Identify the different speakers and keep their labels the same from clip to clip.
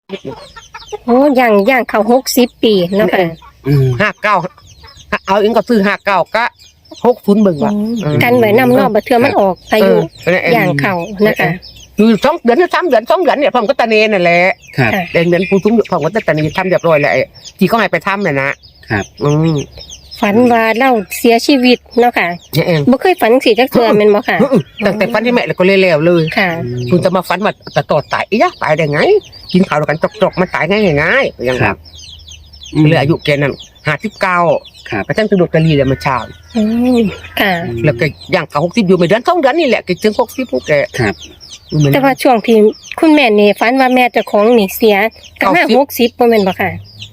Speaker 1: โอ้ย่างเขา60 ปีเนาะค่ะ
Speaker 2: 59เอาเองก็ซื้อ59ก็60เบิ่งว่า
Speaker 1: กันไว้นำเนาะบ่เทื่อมันออกอายุย่างเขานะคะ
Speaker 2: อยู่2 เดือนหรือ3 เดือน2 เดือนเนี่ยพ่อมก็ตะเนนั่นแหละ
Speaker 3: ครับ
Speaker 2: เดือนผู้สูงพ่อมก็ตะเนทำเรียบร้อยแล้วที่เขาให้ไปทำน่ะนะครับ
Speaker 1: ฝันว่าเราเสียชีวิตเนาะค่ะ
Speaker 2: เนี่ยเอง
Speaker 1: บ่เคยฝันสิจักเทื่อแม่นบ่ค่ะ
Speaker 2: ตั้งแต่ฝันที่แม่แล้วก็เลยแล้วเลย
Speaker 1: ค่ะ
Speaker 2: คุณจะมาฝันว่าตะตอดตายอียะตายได้ไงกินข้าวด้วยกันจกๆมันตายง่ายๆอย่าง
Speaker 3: ครั
Speaker 2: ว่า
Speaker 3: บ
Speaker 2: เหลืออายุแกนั้น59
Speaker 3: ครับ
Speaker 2: ก็จังสนุกกะลีเลยมาเช้า
Speaker 1: ค่ะ
Speaker 2: แล้วก็ย่างเขา60อยู่ไม่เดือน2 เดือนนี่แหละก็ถึง60พวกแก
Speaker 3: ครับ
Speaker 1: แต่ว่าช่วงที่คุณแม่นี่ฝันว่าแม่เจ้าของนี่เสียก็มา60บ่แม่นบ่ค่ะ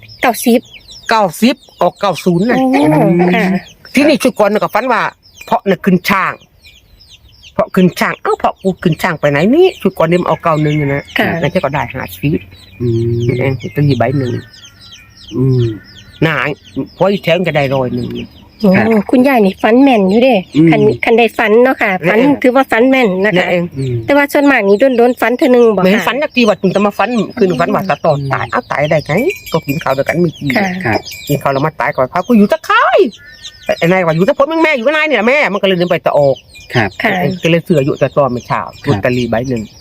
Speaker 1: 90
Speaker 2: 90ออก90น่ะ
Speaker 1: โอ้ค่ะ
Speaker 2: ที่นี่ชุกรก็ฝันว่าเพาะน่ะขึ้นช่างเพาะขึ้นช่างเอ้าเพาะกูขึ้นช่างไปไหนนี่ชุกรนี่มันเอา91นะ
Speaker 1: ค่ะ
Speaker 2: แล้วก็ได้50เองตะลีใบหนึ่ง
Speaker 3: อืม
Speaker 2: หน้าพออีแถมก็ได้100
Speaker 1: โอ้
Speaker 3: ครับ
Speaker 1: คุณยายนี่ฝันแม่นอยู่เด้
Speaker 3: อืม
Speaker 1: คันได้ฝันเนาะค่ะฝัน
Speaker 2: แม่น
Speaker 1: ถือว่าฝันแม่นนะ
Speaker 2: นั่
Speaker 1: คะ
Speaker 2: นเอง
Speaker 1: แต่ว่าส่วนมากนี่โดนฝันเทื่อนึงบ่
Speaker 2: ไม่เห็น
Speaker 1: ค่ะ
Speaker 2: ฝันนักทีว่าคุณจะมาฝันคืนฝันว่าตะตอนตายเอาตายได้ไงก็กินข้าวด้วยกันมีกี่
Speaker 1: ค่ะ
Speaker 3: ครับ
Speaker 2: กินข้าวแล้วมาตายก่อนพากูอยู่ตะไคร้ไอ้นายว่าอยู่ตะพดแม่อยู่กับนายเนี่ยแม่มันก็เลยเดินไปตะออก
Speaker 3: ครับ
Speaker 1: ค่ะ
Speaker 2: ก็เลยเสืออยู่แต่ตอนไม่เช้าลอตเตอรี่ใบหนึ่ง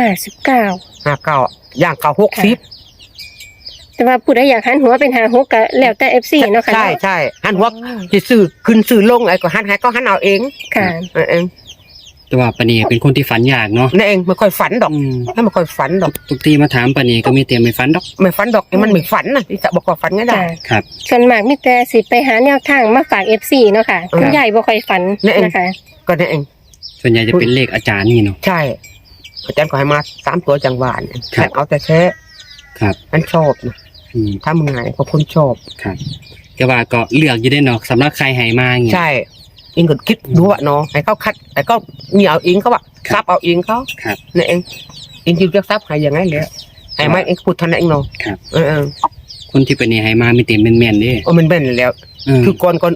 Speaker 1: 59
Speaker 2: 59ย่างเขา60
Speaker 1: แต่ว่าผู้ใดอยากหันหัวเป็น56ก็แล้วแต่ FC เนาะค่ะ
Speaker 2: ใช่หันหัวจะซื้อขึ้นซื้อลงไอ้ก็หันให้ก็หันเอาเอง
Speaker 1: ค่ะ
Speaker 2: เอง
Speaker 3: แต่ว่าปานีเป็นคนที่ฝันยากเนาะ
Speaker 2: นั่นเองไม่ค่อยฝันดอก
Speaker 3: อืม
Speaker 2: ถ้าไม่ค่อยฝันดอก
Speaker 3: ทุกทีมาถามปานีก็มีเตรียมไม่ฝันดอก
Speaker 2: ไม่ฝันดอกมันไม่ฝันนะที่จะบอกว่าฝันไงได้
Speaker 1: ค่ะ
Speaker 3: ครับ
Speaker 1: ส่วนมากมีแต่สิไปหาแนวทางมาฝาก FC เนาะค่ะ คุณยายบ่ค่อยฝัน
Speaker 2: นั่นเอง
Speaker 1: นะคะ
Speaker 2: ก็นั่นเอง
Speaker 3: ส่วนใหญ่จะเป็นเลขอาจารย์นี่เนาะ
Speaker 2: ใช่อาจารย์ก็ให้มา3 ตัวจังหวาน
Speaker 3: ครับ
Speaker 2: เอาแต่แท้
Speaker 3: ครับ
Speaker 2: ฉันชอบนะ
Speaker 3: อืม
Speaker 2: ถ้ามึงไงก็คนชอบ
Speaker 3: ครับแต่ว่าก็เลือกอยู่ได้เนาะสำหรับใครให้มาอย่างเงี้ย
Speaker 2: ใช่เองก็คิดดูว่าเนาะให้เขาคัดให้เขามีเอาเองเขาว่า
Speaker 3: ครับ
Speaker 2: ซับเอาเองเขา
Speaker 3: ครับ
Speaker 2: นี่นเองเองจะเลือกซับให้ยังไงเลยให้ไม่เองพูดเท่านั้นเองเนาะ
Speaker 3: ครับ
Speaker 2: เออ
Speaker 3: คนที่ปานีให้มามีเตรียมแม่นๆเด้
Speaker 2: มันเป็นแล้ว
Speaker 3: เออ
Speaker 2: คือก่อน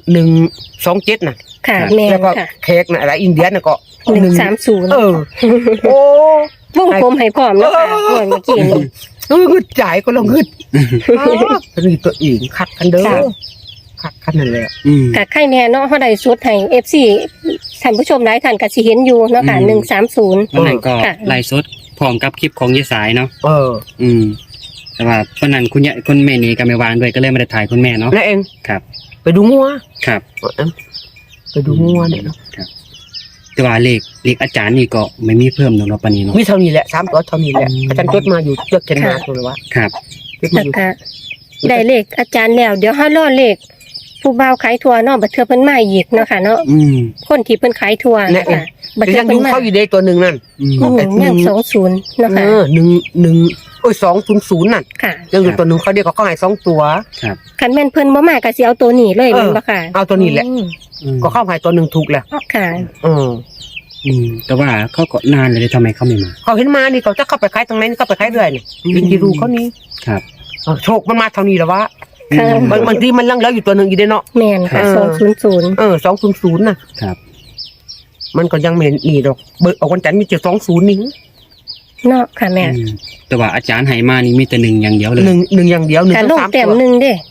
Speaker 2: 127น่ะ
Speaker 1: ค่ะ
Speaker 3: ครับ
Speaker 1: แม่น
Speaker 2: แล้วก็
Speaker 1: ค่ะ
Speaker 2: เค้กน่ะอะไรอินเดียน่ะก็
Speaker 1: 130
Speaker 2: เออโอ้
Speaker 1: วงกลมให้พร้อมเนาะค่ะ
Speaker 2: เออ
Speaker 1: เมื่อกี้นี่
Speaker 2: งึดใจก็ลงงึดนี่ตัวเองคักกันเด้อ
Speaker 1: ค่ะ
Speaker 2: คักกันนั่นแหละ
Speaker 3: อืม
Speaker 1: ก็ใครแน่เนาะเฮาได้สุดให้ FC ท่านผู้ชมหลายท่านก็สิเห็นอยู่เนาะค่ะ
Speaker 3: อืม
Speaker 1: 130
Speaker 3: วันนั้นก็
Speaker 1: ค่ะ
Speaker 3: ไล่สดพร้อมกับคลิปของยายสายเนาะ
Speaker 2: เออ
Speaker 3: อืม แต่ว่าวันนั้นคุณแม่นี่ก็ไม่วางด้วยก็เลยไม่ได้ถ่ายคุณแม่เนาะ
Speaker 2: นั่นเอง
Speaker 3: ครับ
Speaker 2: ไปดูงัว
Speaker 3: ครับ
Speaker 2: ไปดูงัวเนี่ยเนาะ
Speaker 3: แต่ว่าเลขอาจารย์นี่ก็ไม่มีเพิ่มเนาะปานนี้เนาะ
Speaker 2: มีเท่านี้แหละ3 ตัวเท่านี้แหละอาจารย์จดมาอยู่เลือกเขียนมาตัวเลยว่า
Speaker 3: ครับ
Speaker 2: จดมา
Speaker 1: แล้ว
Speaker 2: อยู่
Speaker 1: ก็ได้เลขอาจารย์แล้ว เดี๋ยวเฮารอเลขผู้บ่าวขายทัวเนาะบัดเทื่อเพิ่นมาอีกเนาะค่ะเนาะ
Speaker 3: อืม
Speaker 1: คนที่เพิ่นขายทัวค่ะบัด
Speaker 2: แต่
Speaker 1: เทื่
Speaker 2: ยั
Speaker 1: อง เพิ่
Speaker 2: ดู
Speaker 1: นมา
Speaker 2: เขาอยู่ในตัวหนึ่งนั่น
Speaker 3: อืม
Speaker 1: ยัง20เนาะค่ะ
Speaker 2: 1 200นั่น
Speaker 1: ค่ะ
Speaker 2: ยังอยู่ตัวหนึ่งเขาเดียวเขาให้2 ตัว
Speaker 3: ครับ
Speaker 1: คันแม่นเพิ่นบ่มาก็สิเอาตัวนี้เลยแม่นบ่ค่ะ
Speaker 2: เอาตัวนี้แหละ
Speaker 3: อืม
Speaker 2: ก็เข้าให้ตัวหนึ่งถูกแหละ
Speaker 1: ค่ะ
Speaker 2: เออ
Speaker 3: อืมแต่ว่าเขาก็นานเลยทำไมเขาไม่มา
Speaker 2: เขาเห็นมานี่เขาจะเข้าไปขายตรงไหนนี่เข้าไปขายเรื่อยนี่ยินดีดูเขานี่
Speaker 3: ครับ
Speaker 2: โชคมันมาเท่านี้แล้ววะ
Speaker 1: ค่ะ
Speaker 2: บางทีมันลังแล้วอยู่ตัวหนึ่งอยู่ในเนาะ
Speaker 1: แม่นค่ะ200
Speaker 2: 200น่ะ
Speaker 3: ครับ
Speaker 2: มันก็ยังไม่นี่ดอกเบิกเอาวันจันทร์มี720นี่
Speaker 1: เนาะค่ะแม่
Speaker 3: อืมแต่ว่าอาจารย์ให้มานี่มีแต่หนึ่งอย่างเดียวเลย
Speaker 2: หนึ่งอย่างเดียว1
Speaker 1: การลง
Speaker 2: 3
Speaker 1: แต้ม
Speaker 2: ตัว
Speaker 1: หนึ่งเด้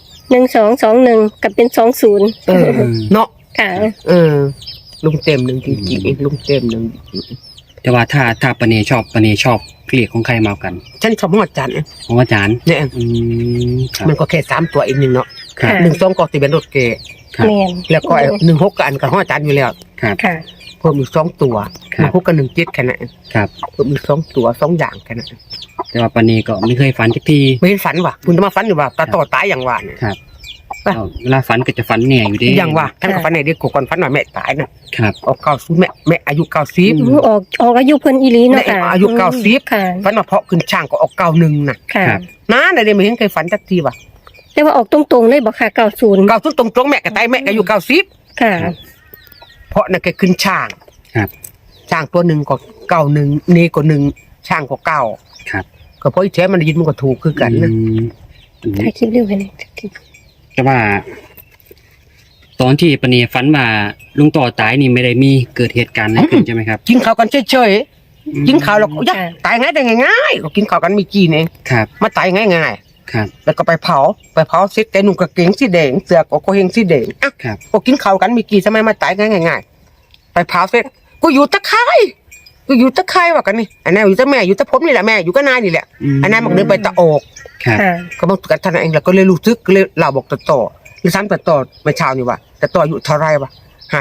Speaker 1: 1221ก็เป็น20
Speaker 2: เออเนาะ
Speaker 1: ค่ะ
Speaker 2: เออลุงเต็มหนึ่งจริงๆลุงเต็มหนึ่ง
Speaker 3: แต่ว่าถ้าปานีชอบเลขของใครมาเอากัน
Speaker 2: ฉันชอบหอดจันทร์
Speaker 3: ของอาจารย์
Speaker 2: เนี่ย
Speaker 3: อืมครับ
Speaker 2: มันก็แค่3 ตัวเองหนึ่งเนาะ
Speaker 3: ครับ
Speaker 1: ค่ะ
Speaker 2: 1 2ก็สิเป็นรถเกย์
Speaker 3: ครับ
Speaker 1: แม่น
Speaker 2: แล้วก็16ก็อันกับหอดจันทร์อยู่แล้ว
Speaker 3: ครับ
Speaker 1: ค่ะ
Speaker 2: เพิ่มอีก2 ตัว
Speaker 3: ครับ
Speaker 2: 16กับ17แค่นั้น
Speaker 3: ครับ
Speaker 2: เพิ่มอีก2 ตัว2 อย่างแค่นั้น
Speaker 3: แต่ว่าปานีก็ไม่เคยฝันสักที
Speaker 2: ไม่เห็นฝันว่ะคุณจะมาฝันอยู่ว่าตาต่อตายอย่างว่าเนี่ย
Speaker 3: ครับ
Speaker 2: ป่ะ
Speaker 3: เวลาฝันก็จะฝันแหน่อยู่ดี
Speaker 2: อย่างว่าท่านก็ฝันในเด็กก่อนฝันว่าแม่ตายน่ะ
Speaker 3: ครับ
Speaker 2: ออก90แม่อายุ90
Speaker 1: ออกอายุเพิ่นอีหลีเนาะค่ะ
Speaker 2: อายุ90
Speaker 1: ค่ะ
Speaker 2: ฝันว่าเพาะขึ้นช่างก็ออก91น่ะ
Speaker 1: ค่ะ
Speaker 3: ครับ
Speaker 2: นะได้ไม่เห็นเคยฝันสักทีว่ะ
Speaker 1: แต่ว่าออกตรงๆเลยบ่ค่ะ90
Speaker 2: 90ตรงๆแม่ก็ตายแม่ก็อายุ90
Speaker 1: ค่ะ
Speaker 2: เพราะนั่นก็ขึ้นช่าง
Speaker 3: ครับ
Speaker 2: ช่างตัวหนึ่งก็91นี่ก็1ช่างก็9
Speaker 3: ครับ
Speaker 2: ก็เพราะอีแท้มันได้ยินมันก็ถูกคือกันนะ
Speaker 3: อืม
Speaker 1: ถ่ายคลิปเร็วไปเลย
Speaker 3: แต่ว่า ตอนที่ปานีฝันว่าลุงต่อตายนี่ไม่ได้มีเกิดเหตุการณ์อะไรขึ้นใช่ไหมครับ
Speaker 2: กินข้าวกันเฉยกินข้าวแล้วก็ตายง่ายได้ง่ายๆก็กินข้าวกันไม่กี่เอง
Speaker 3: ครับ
Speaker 2: มาตายง่าย
Speaker 3: ครับ
Speaker 2: ๆแล้วก็ไปเผาเสร็จแต่นุ่งกางเกงสีแดงเสื้อก็เฮงสีแดงอ่ะ
Speaker 3: ครับ
Speaker 2: ก็กินข้าวกันไม่กี่ทำไมมาตายง่ายๆไปเผาเสร็จกูอยู่ตะไคร้ว่ากันนี่อันนั้นอยู่ตะแม่อยู่ตะผมนี่แหละแม่อยู่ก็นายนี่แหละอันนั้นมันเดินไปตะออก
Speaker 3: ครับ
Speaker 1: ค่ะ
Speaker 2: ก็บอกกันท่านเองแล้วก็เลยรู้สึกก็เลยเล่าบอกต่อหรือซ้ำต่อมาเช้านี่ว่าแต่ต่ออยู่เท่าไรวะ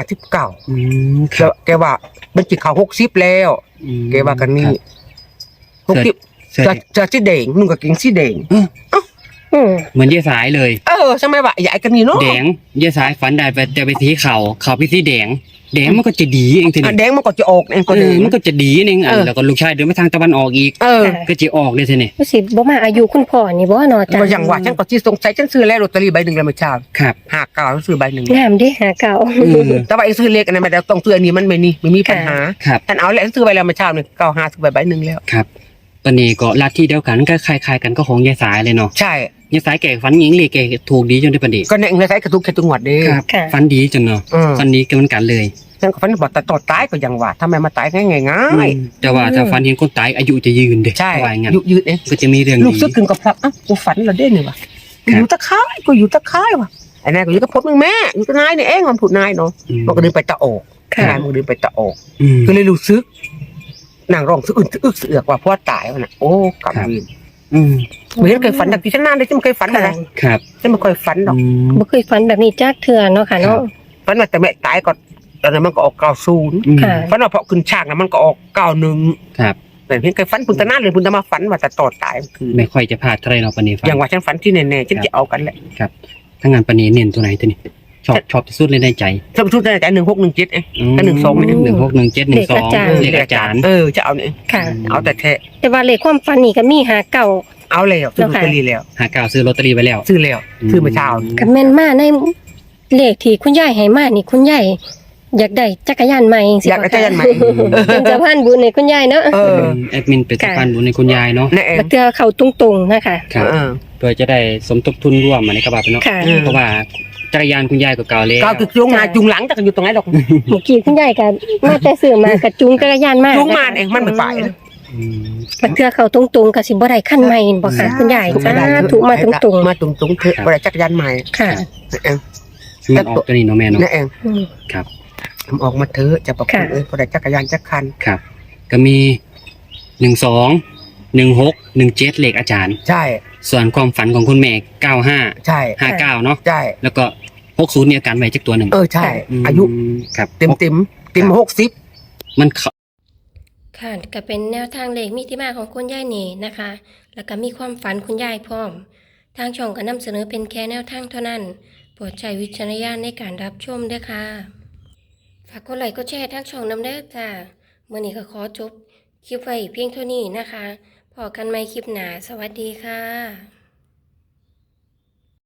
Speaker 2: 59
Speaker 3: อืมค
Speaker 2: แล้
Speaker 3: รั
Speaker 2: ว
Speaker 3: บ
Speaker 2: แกว่ามันจิเขา60แล้ว
Speaker 3: อืม
Speaker 2: แกว่ากันนี่
Speaker 3: ครับ
Speaker 2: 60
Speaker 3: เสื้อ
Speaker 2: จะสีแดงนุ่งกางเกงสีแดง
Speaker 1: อืม
Speaker 3: เหมือนยายสายเลย
Speaker 2: ใช่ไหมวะใหญ่กันนี่เนาะ
Speaker 3: แดงยายสายฝันได้ไปแต่ไปสีเขาไปสีแดงมันก็จะดีเองที
Speaker 2: อ่ะ
Speaker 3: นี้
Speaker 2: แดงมันก็จะออกเองก็
Speaker 3: เอ
Speaker 2: แด
Speaker 3: อง มันก็จะดีเองอันแล้วก็ลูกชายเดินไปทางตะวันออกอีก
Speaker 1: ค่ะ
Speaker 3: ก็จะออกเลยทีนี้
Speaker 1: รู้สิบ่มาอายุคุณพ่อนี่บ่เนาะจ้ะ
Speaker 2: ก็อย่างว่าฉันก็ที่สงสัยฉันซื้อแล้วลอตเตอรี่ใบหนึ่งแล้วเมื่อเช้า
Speaker 3: ครับ
Speaker 2: 59ซื้อใบหนึ่ง
Speaker 1: งามเด้หาเก่า
Speaker 2: แต่ว่าไอ้ซื้อเลขอันนั้นไม่ได้ต้องซื้ออันนี้มันไม่มีปัญหา
Speaker 3: ครับ
Speaker 2: ท่านเอาแล้วซื้อใบแล้วเมื่อเช้านี่95ซื้อใบหนึ่งแล้ว
Speaker 3: ครับตอนนี้ก็ลัทธิเดียวกันก็คล้ายๆกันก็ของยายสายเลยเนาะ
Speaker 2: ใช่
Speaker 3: ยายสายแก่ฝันหญิงเลยแก่ถูกดีจนได้ประเดี๋ยว
Speaker 2: ก็เนี่ยเงินใช้กระทุกแค่จังหวัดเด้
Speaker 3: ครับ
Speaker 1: ค่ะ
Speaker 3: ฝันดีจนเนาะ
Speaker 2: อืม
Speaker 3: ฝันดีกันเหมือนกันเลย
Speaker 2: ฉันก็ฝันบอกแต่ต่อตายก็ยังว่าทำไมมาตายง่ายๆ
Speaker 3: แต่ว่าถ้าฝันเห็นคนตายอายุจะยืนเด็ก
Speaker 2: ใช่
Speaker 3: ว่าอย่างนั้น
Speaker 2: ยืดเอง
Speaker 3: ก็จะมีเรื่อง
Speaker 2: ลูก
Speaker 3: ดี
Speaker 2: ซึกกึ่งกับพลับอ่ะกูฝันเหราได้เนี่ยวะกูอยู่ตะไคร้ว่ะไอ้นายก็อยู่กับพดมึงแม่อยู่กับนายนี่เองมันพูดนายเนาะ
Speaker 3: อืม
Speaker 2: มันก็เดินไปตะโอก
Speaker 1: ค่ะ
Speaker 2: นายมันก็เดินไปตะโอก
Speaker 3: อืม
Speaker 2: ก็เลยรู้ซึกนางร้องซึกอึกซึกเสือกว่าพ่อตายวะน่ะโอ้กำวิน
Speaker 3: อืม
Speaker 2: ไม่เห็นเคยฝันดักที่ฉันนานเลยฉันไม่เคยฝันอะไร
Speaker 3: ครับ
Speaker 2: ฉันไม่เคยฝันหรอก
Speaker 3: อืม
Speaker 1: บ่เคยฝันแบบนี้จักเทื่อเนาะค่ะเนาะ
Speaker 2: ฝันว่าแต่แม่ตายก่อนตอนนั้นมันก็ออก90
Speaker 3: อืม
Speaker 1: ค่ะ
Speaker 2: ฝันว่าพอขึ้นฉากนะมันก็ออก91
Speaker 3: ครับ
Speaker 2: แต่เห็นเคยฝันพุนตะนานเลยพุนตะมาฝันว่าแต่ต่อตายคือ
Speaker 3: ไม่ค่อยจะพลาดเท่าไหรเนาะปานนี้ฝัน
Speaker 2: อย่างว่าฉันฝันที่แน่ๆฉันจะเอากันแหละ
Speaker 3: ครับถ้างานปานนี้เน้นตัวไหนตัวนี้ชอบที่สุดเลยในใจ
Speaker 2: ถ้าพูดในใจ1617เอง ก็12เนี่ย
Speaker 3: 161712
Speaker 1: เลขอาจารย์
Speaker 3: เลขอาจารย์
Speaker 2: จะเอาเนี่ย
Speaker 1: ค่ะ
Speaker 2: เอาแต่แท้
Speaker 1: แต่ว่าเลขความฝันนี่ก็มีหาเก่า
Speaker 2: เอาแล้วซื้อลอตเตอรี่แล้ว
Speaker 3: หาเก่าซื้อลอตเตอรี่ไปแล้ว
Speaker 2: ซื้อแล้วซื้อเมื่อเช้า
Speaker 1: ก็แม่นมาในเลขที่คุณยายให้มานี่คุณยายอยากได้จักรยานใหม่จังซี่
Speaker 2: อยากได้จักรยานใหม่
Speaker 1: เป็นสะพานบุญให้คุณยายเนาะ
Speaker 2: เออ
Speaker 3: แอดมินเป็นสะพานบุญในคุณยายเนาะ
Speaker 2: นั่นเอง
Speaker 1: บัดเทื่อเข้าตรงๆนะคะ
Speaker 3: ครับ
Speaker 2: เออ
Speaker 3: เพื่อจะได้สมทบทุนร่วมมาในกระบะเนาะ
Speaker 1: ค่ะ
Speaker 3: เพราะว่าจักรยานคุณยายก็เก่าแล้ว
Speaker 2: ก้าวจุงหน้าจุงหลังจะกันอยู่ตรงไหนหรอก
Speaker 1: เมื่อกี้คุณยายก็มาแต่ซื้อมาก็จูงจักรยานมา
Speaker 2: จุงมาเองมันไม่ไปนะ
Speaker 3: อืม
Speaker 1: บัดเทื่อเข้าตรงๆก็สิบ่ได้คันใหม่บ่ค่ะคุณยายสาธุมาตรง
Speaker 2: มาตรงๆเถอะบริจักรยานใหม่
Speaker 1: ๆค่ะ
Speaker 2: นั่นเอง
Speaker 3: มันออกตัวนี้เนาะแม่เนาะ
Speaker 2: นั่นเอง
Speaker 1: อืม
Speaker 3: ครับ
Speaker 2: ทำออกมาเถอะจะประคุณบริจักรยานจักรคัน
Speaker 3: ครับ ก็มี12 16 17เลขอาจารย์
Speaker 2: ใช่
Speaker 3: ส่วนความฝันของคุณแม่95
Speaker 2: ใช่
Speaker 3: 59เนาะ
Speaker 2: ใช่
Speaker 3: แล้วก็60เนี่ยการไว้จักตัวหนึ่ง
Speaker 2: ใช่
Speaker 3: ม
Speaker 2: อายุ
Speaker 3: ครับ
Speaker 2: เต็ม60
Speaker 3: มันเข้า
Speaker 1: ค่ะก็เป็นแนวทางเลขมีที่มาของคุณยายนี่นะคะ แล้วก็มีความฝันคุณยายพร้อม ทางช่องก็นำเสนอเป็นแค่แนวทางเท่านั้น โปรดใช้วิจารณญาณในการรับชมด้วยค่ะ ฝากกดไลค์กดแชร์ทางช่องนำเด้อจ้าเมื่อนี้ก็ขอจบคลิปไว้เพียงเท่านี้นะคะพอกันใหม่คลิปหน้าสวัสดีค่ะ